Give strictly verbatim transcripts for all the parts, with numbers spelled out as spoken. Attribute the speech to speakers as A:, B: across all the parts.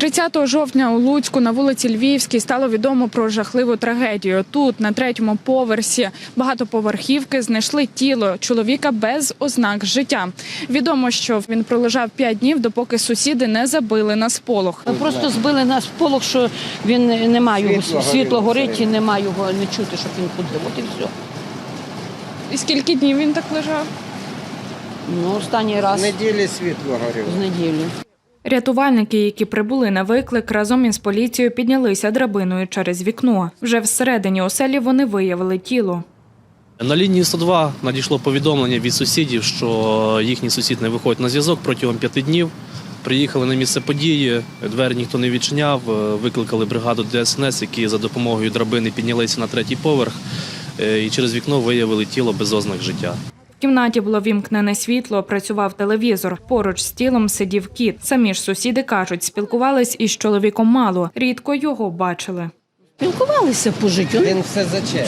A: тридцятого жовтня у Луцьку на вулиці Львівській стало відомо про жахливу трагедію. Тут, на третьому поверсі багатоповерхівки, знайшли тіло чоловіка без ознак життя. Відомо, що він пролежав п'ять днів, допоки сусіди не забили на сполох.
B: Просто збили на сполох, що він немає його, світло, світло горить і немає його, не чути, щоб він ходив. От і все.
A: І скільки днів він так лежав?
B: Ну, останній раз.
C: З неділі світло горіло.
B: З неділі.
A: Рятувальники, які прибули на виклик, разом із поліцією піднялися драбиною через вікно. Вже всередині оселі вони виявили тіло.
D: На лінії сто два надійшло повідомлення від сусідів, що їхній сусід не виходить на зв'язок протягом п'яти днів. Приїхали на місце події, двері ніхто не відчиняв, викликали бригаду Де Ес Ен Ес, які за допомогою драбини піднялися на третій поверх і через вікно виявили тіло без ознак життя.
A: В кімнаті було вімкнене світло, працював телевізор. Поруч з тілом сидів кіт. Самі ж сусіди кажуть, спілкувались із чоловіком мало, рідко його бачили.
B: Спілкувалися по життю.
C: Він все заче.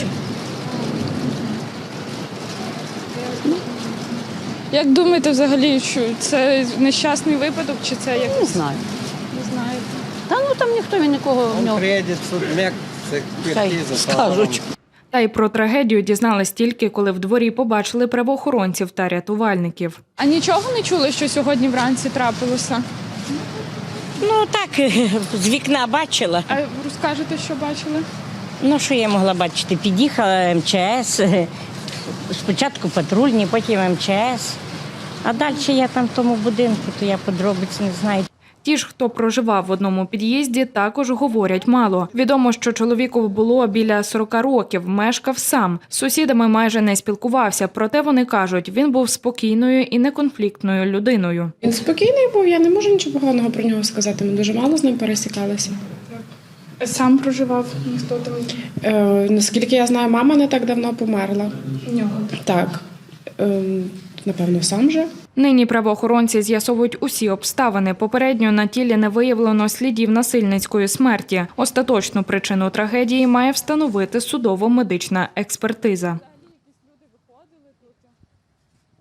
A: Як думаєте взагалі, що це нещасний випадок, чи це як?
B: Не знаю.
A: Не знаєте.
B: Та ну там ніхто він нікого в
C: Він
B: нього.
C: приїде в судмек, це
B: Хай
C: експертиза.
B: скажуть.
A: Та й про трагедію дізнались тільки, коли в дворі побачили правоохоронців та рятувальників. А нічого не чули, що сьогодні вранці трапилося?
E: Ну так, з вікна бачила.
A: А розкажете, що бачили?
E: Ну що я могла бачити? Під'їхала Ем Че Ес, спочатку патрульні, потім Ем Че Ес. А далі я там в тому будинку, то я подробиць не знаю.
A: Ті ж, хто проживав в одному під'їзді, також говорять мало. Відомо, що чоловіку було біля сорока років, мешкав сам. З сусідами майже не спілкувався, проте вони кажуть, він був спокійною і неконфліктною людиною.
F: Він спокійний був, я не можу нічого поганого про нього сказати, ми дуже мало з ним пересікалися.
A: Сам проживав, ніхто там?
F: Е, наскільки я знаю, мама не так давно померла.
A: В нього.
F: Так, е, напевно, сам же.
A: Нині правоохоронці з'ясовують усі обставини. Попередньо на тілі не виявлено слідів насильницької смерті. Остаточну причину трагедії має встановити судово-медична експертиза.